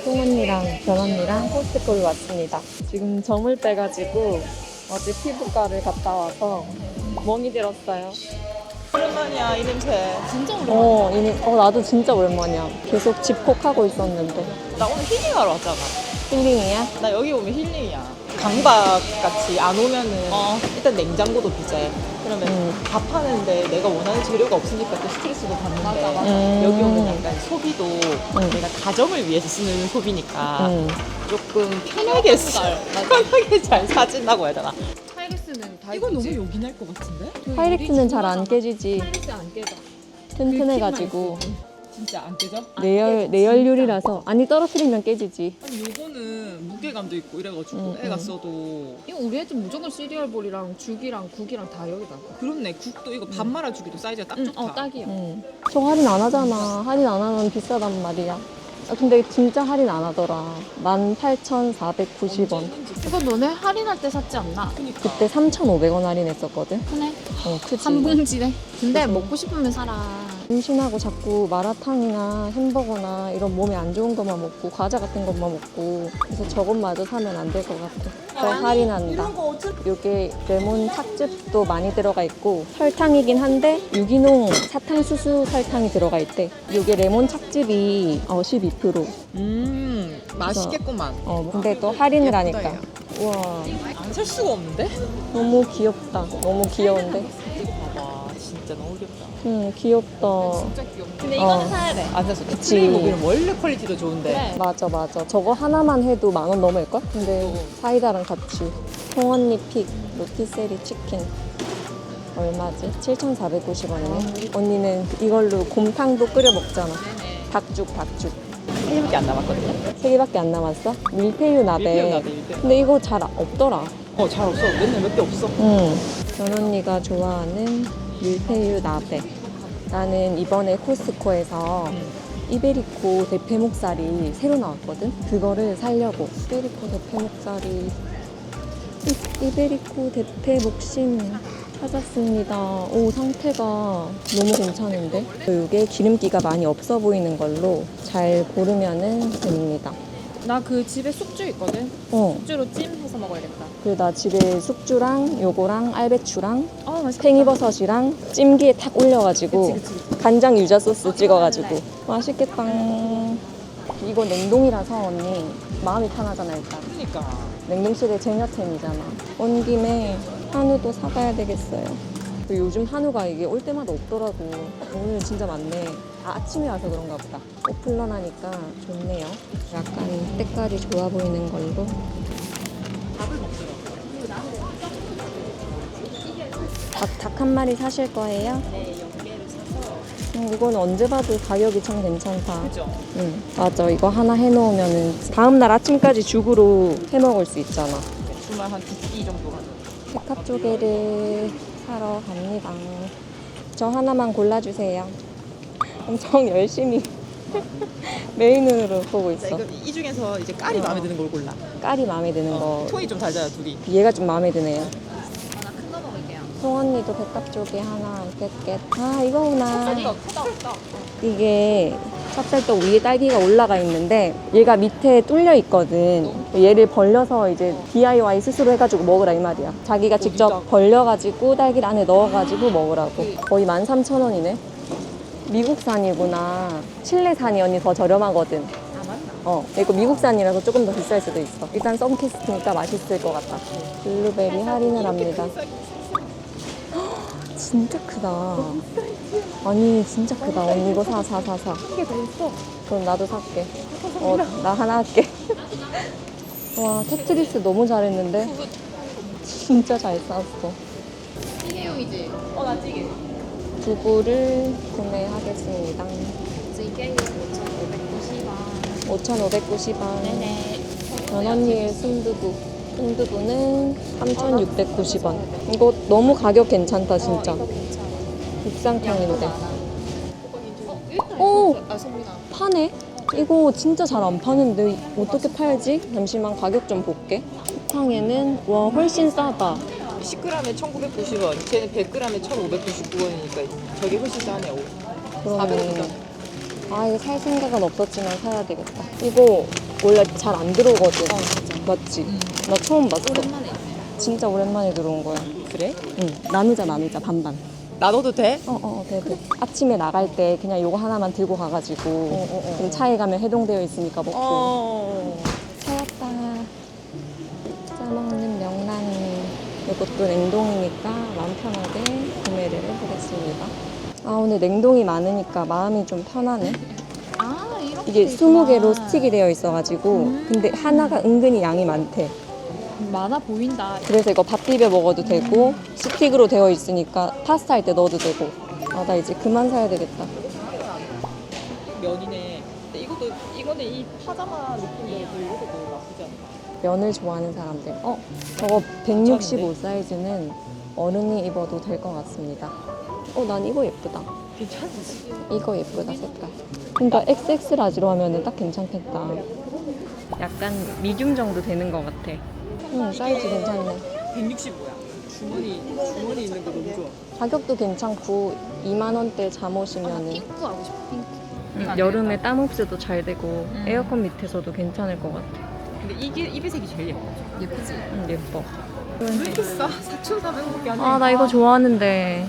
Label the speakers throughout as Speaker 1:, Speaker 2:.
Speaker 1: 송언니랑 변언니랑 코스트코를 왔습니다. 지금 점을 빼가지고 어제 피부과를 갔다 와서 멍이 들었어요.
Speaker 2: 오랜만이야 이 냄새.
Speaker 1: 진짜 오랜만이야. 나도 진짜 오랜만이야. 계속 집콕하고 있었는데.
Speaker 2: 나 오늘 힐링하러 왔잖아.
Speaker 1: 힐링이야?
Speaker 2: 나 여기 오면 힐링이야. 강박 같이 안 오면은 일단 냉장고도 비제. 그러면 밥 하는데 내가 원하는 재료가 없으니까 또 스트레스도 받는데
Speaker 1: 맞아.
Speaker 2: 여기 오면 약간 소비도 내가 가정을 위해서 쓰는 소비니까 조금 편하게 편하게 잘 사진다고 해야 되나?
Speaker 3: 하이리스는 다
Speaker 2: 이건 너무
Speaker 3: 예쁘지?
Speaker 2: 요긴할 것 같은데?
Speaker 1: 하이렉스는 잘 안 깨지지.
Speaker 3: 하이리스 안 깨져.
Speaker 1: 튼튼해가지고.
Speaker 2: 진짜 안 깨져?
Speaker 1: 내열률이라서 아니 떨어뜨리면 깨지지.
Speaker 2: 아니 요거는 무게감도 있고 이래가지고 애가 써도
Speaker 3: 이거 우리 애들 무조건 시리얼볼이랑 죽이랑 국이랑 다 여기다가.
Speaker 2: 그렇네. 국도 이거 밥 말아주기도 사이즈가 딱 좋다.
Speaker 3: 딱이야.
Speaker 1: 저 할인 안 하잖아. 할인 안 하면 비싸단 말이야. 근데 진짜 할인 안 하더라. 18,490원.
Speaker 3: 이거 너네 할인할 때 샀지 않나?
Speaker 2: 그니까.
Speaker 1: 그때 3,500원 할인했었거든.
Speaker 3: 크네.
Speaker 1: 크지.
Speaker 3: 한 봉지네. 근데
Speaker 1: 그래서-
Speaker 3: 먹고 싶으면 사라.
Speaker 1: 임신하고 자꾸 마라탕이나 햄버거나 이런 몸에 안 좋은 것만 먹고 과자 같은 것만 먹고 그래서 저것마저 사면 안 될 것 같아. 그래서 할인한다. 이게 레몬 탁즙도 많이 들어가 있고 설탕이긴 한데 유기농 사탕수수 설탕이 들어가 있대. 이게 레몬 탁즙이 12%.
Speaker 2: 맛있겠구만.
Speaker 1: 근데 또 할인을
Speaker 2: 예쁘다,
Speaker 1: 하니까.
Speaker 2: 야.
Speaker 1: 우와,
Speaker 2: 안 살 수가 없는데?
Speaker 1: 너무 귀엽다. 너무 귀여운데.
Speaker 2: 이거 봐봐. 진짜 너무 귀엽다.
Speaker 1: 귀엽다.
Speaker 3: 진짜 귀엽네.
Speaker 2: 근데
Speaker 1: 이거는
Speaker 2: 사야 돼. 안 샀어.
Speaker 1: 그치.
Speaker 2: 트레이모빌은 원래 퀄리티도 좋은데.
Speaker 3: 그래.
Speaker 1: 맞아. 저거 하나만 해도 10,000원 넘을걸? 근데 사이다랑 같이 송언니 픽 로티세리 치킨 얼마지? 7,490원이네. 언니는 이걸로 곰탕도 끓여 먹잖아. 닭죽
Speaker 2: 3개밖에 안 남았거든요.
Speaker 1: 3개밖에 안 남았어? 밀푀유 나베.
Speaker 2: 밀푀유 나베, 밀푀유.
Speaker 1: 근데 이거 잘 없더라.
Speaker 2: 잘 없어. 맨날 몇 개 없어.
Speaker 1: 변언니가 좋아하는 밀푀유 나베. 나는 이번에 코스트코에서 이베리코 대패목살이 새로 나왔거든? 그거를 살려고. 이베리코 대패목살이 이베리코 대패목심 찾았습니다. 오, 상태가 너무 괜찮은데? 이게 기름기가 많이 없어 보이는 걸로 잘 고르면은 됩니다.
Speaker 3: 나 그 집에 숙주 있거든.
Speaker 1: 어,
Speaker 3: 숙주로 찜해서 먹어야겠다.
Speaker 1: 그리고 나 집에 숙주랑 요거랑 알배추랑
Speaker 3: 맛있겠다.
Speaker 1: 팽이버섯이랑 찜기에 탁 올려가지고
Speaker 3: 그치.
Speaker 1: 간장 유자 소스 찍어가지고 맛있겠다. 이거 냉동이라서 언니 마음이 편하잖아 일단.
Speaker 2: 그러니까.
Speaker 1: 냉동실에 쟁여템이잖아. 온 김에 한우도 사가야 되겠어요. 그리고 요즘 한우가 이게 올 때마다 없더라고. 오늘 진짜 많네. 아침에 와서 그런가 보다. 오플런하니까 좋네요. 약간 때깔이 좋아 보이는 걸로.
Speaker 2: 밥을 먹더라.
Speaker 1: 닭 한 마리 사실 거예요?
Speaker 2: 네, 연계를 사서.
Speaker 1: 이건 언제 봐도 가격이 참 괜찮다.
Speaker 2: 그죠?
Speaker 1: 응, 맞아. 이거 하나 해놓으면은 다음날 아침까지 죽으로 해먹을 수 있잖아.
Speaker 2: 주말 한 2끼 정도 하는.
Speaker 1: 백합 조개를 사러 갑니다. 저 하나만 골라주세요. 엄청 열심히 메인으로 보고 있어.
Speaker 2: 이거 이 중에서 이제 깔이 마음에 드는 걸 골라.
Speaker 1: 깔이 마음에 드는 거.
Speaker 2: 톤이 좀 달잖아, 둘이.
Speaker 1: 얘가 좀 마음에 드네요.
Speaker 3: 나 큰 거 먹을게요.
Speaker 1: 송언니도 백합 조개 하나 깼. 아, 이거구나.
Speaker 3: 크다.
Speaker 1: 이게 찹쌀떡 위에 딸기가 올라가 있는데 얘가 밑에 뚫려 있거든. 얘를 벌려서 이제 DIY 스스로 해가지고 먹으라 이 말이야. 자기가 직접
Speaker 2: 진짜?
Speaker 1: 벌려가지고 딸기를 안에 넣어가지고 먹으라고. 거의 13,000원이네. 미국산이구나. 칠레산이 언니 더 저렴하거든.
Speaker 3: 맞나?
Speaker 1: 이거 미국산이라서 조금 더 비쌀 수도 있어. 일단 썬캐스트니까 맛있을 것 같다. 블루베리 할인을 합니다. 진짜 크다. 아니 진짜 크다. 언니 이거 사.
Speaker 3: 한 개 더 있어.
Speaker 1: 그럼 나도 살게. 나 하나 할게. 와, 테트리스 너무 잘했는데? 진짜 잘 쌌어.
Speaker 3: 찌개용이지?
Speaker 2: 나 찌개.
Speaker 1: 두부를 구매하겠습니다.
Speaker 3: 찌개용 5,590원.
Speaker 1: 5,590원.
Speaker 3: 네네.
Speaker 1: 변언니의 순두부. 순두부는 3,690원. 이거 너무 가격 괜찮다, 진짜.
Speaker 3: 이거 괜찮아.
Speaker 1: 국산탕인데.
Speaker 3: 일단
Speaker 1: 오!
Speaker 3: 소민아.
Speaker 1: 파네? 이거 진짜 잘 안 파는데 어떻게 팔지? 잠시만 가격 좀 볼게. 쿠팡에는 와 훨씬 싸다.
Speaker 2: 10g에 1,990원. 쟤는 100g에 1,599원이니까 저게 훨씬 싸네요.
Speaker 1: 그러네.
Speaker 2: 400원.
Speaker 1: 아 이거 살 생각은 없었지만 사야 되겠다. 이거 원래 잘 안 들어오거든.
Speaker 2: 맞아.
Speaker 1: 맞지? 나 처음 봤어.
Speaker 3: 오랜만에 있네.
Speaker 1: 진짜 오랜만에 들어온 거야.
Speaker 2: 그래?
Speaker 1: 응. 나누자 반반.
Speaker 2: 나눠도 돼?
Speaker 1: 돼. 아침에 나갈 때 그냥 요거 하나만 들고 가가지고 그럼 차에 가면 해동되어 있으니까 먹고. 찾았다. 짜먹는 명란이. 이것도 냉동이니까 마음 편하게 구매를 해보겠습니다. 아, 오늘 냉동이 많으니까 마음이 좀 편하네.
Speaker 3: 아, 이렇게
Speaker 1: 이게
Speaker 3: 돼 있구나.
Speaker 1: 20개로 스틱이 되어 있어가지고 근데 하나가 은근히 양이 많대.
Speaker 3: 많아 보인다.
Speaker 1: 그래서 이거 밥 비벼 먹어도 되고 스틱으로 되어 있으니까 파스타 할 때 넣어도 되고. 아, 나 이제 그만 사야 되겠다.
Speaker 2: 면이네. 근데 이거는 이 파자마 느낌대로 이것도 나쁘지 않다.
Speaker 1: 면을 좋아하는 사람들. 저거 165 사이즈는 어른이 입어도 될 것 같습니다. 난 이거 예쁘다.
Speaker 2: 괜찮지?
Speaker 1: 이거 예쁘다, 색깔. 그러니까 XX 라지로 하면은 딱 괜찮겠다. 약간 미디움 정도 되는 것 같아. 사이즈 괜찮네.
Speaker 2: 165야. 주머니 있는 거 너무 좋아.
Speaker 1: 가격도 괜찮고 2만 원대 잠옷이면은
Speaker 3: 핑크 하고 싶어, 핑크.
Speaker 1: 여름에 땀 흡수도 잘 되고 에어컨 밑에서도 괜찮을 것 같아.
Speaker 2: 근데 이게 이 배색이 제일 예뻐.
Speaker 3: 예쁘지?
Speaker 1: 예뻐.
Speaker 2: 왜 이렇게 싸? 4,400원밖에 안 해.
Speaker 1: 아, 나 이거 좋아하는데.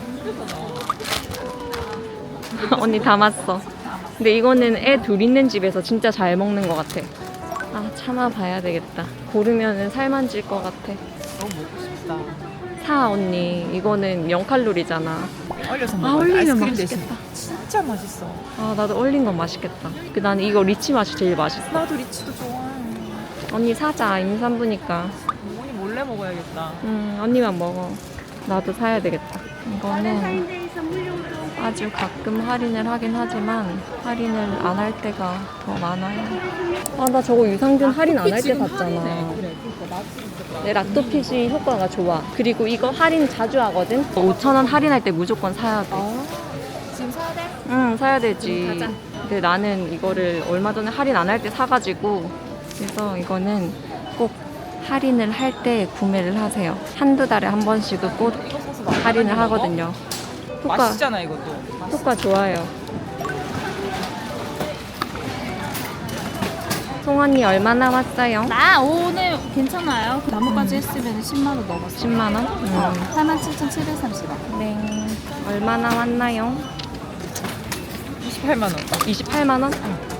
Speaker 1: 언니 담았어. 근데 이거는 애 둘 있는 집에서 진짜 잘 먹는 것 같아. 아, 참아봐야 되겠다. 고르면은 살만 찔 것 같아.
Speaker 2: 너무 먹고 싶다.
Speaker 1: 사, 언니. 이거는 0칼로리잖아.
Speaker 2: 얼려서
Speaker 1: 아,
Speaker 2: 먹어.
Speaker 1: 얼리면
Speaker 2: 아이스크림
Speaker 1: 맛있겠다.
Speaker 2: 대신. 진짜 맛있어.
Speaker 1: 아, 나도 얼린 건 맛있겠다. 나는 이거 리치 맛이 제일 맛있어.
Speaker 2: 나도 리치도 좋아해.
Speaker 1: 언니 사자. 임산부니까.
Speaker 2: 어머니 몰래 먹어야겠다.
Speaker 1: 언니만 먹어. 나도 사야 되겠다. 이거는 아주 가끔 할인을 하긴 하지만 할인을 안 할 때가 더 많아요. 아, 나 저거 유산균 할인 안 할 때 샀잖아.
Speaker 2: 그래, 그러니까
Speaker 1: 네, 락토핏이 효과가 좋아. 그리고 이거 할인 자주 하거든? 5,000원 할인할 때 무조건 사야 돼.
Speaker 3: 지금 사야 돼?
Speaker 1: 응, 사야 되지.
Speaker 3: 가자.
Speaker 1: 근데 나는 이거를 얼마 전에 할인 안 할 때 사가지고 그래서 이거는 꼭 할인을 할 때 구매를 하세요. 한두 달에 한 번씩은 꼭 할인을 하거든요.
Speaker 2: 맛있잖아 이것도.
Speaker 1: 효과 좋아요. 송언니 얼마 남았어요?
Speaker 3: 나 오늘 괜찮아요. 나머까지 했으면 10만 원 넘었어.
Speaker 1: 10만 원?
Speaker 3: 87,730원.
Speaker 1: 네. 얼마 남았나요?
Speaker 2: 28만 원.
Speaker 1: 28만 원?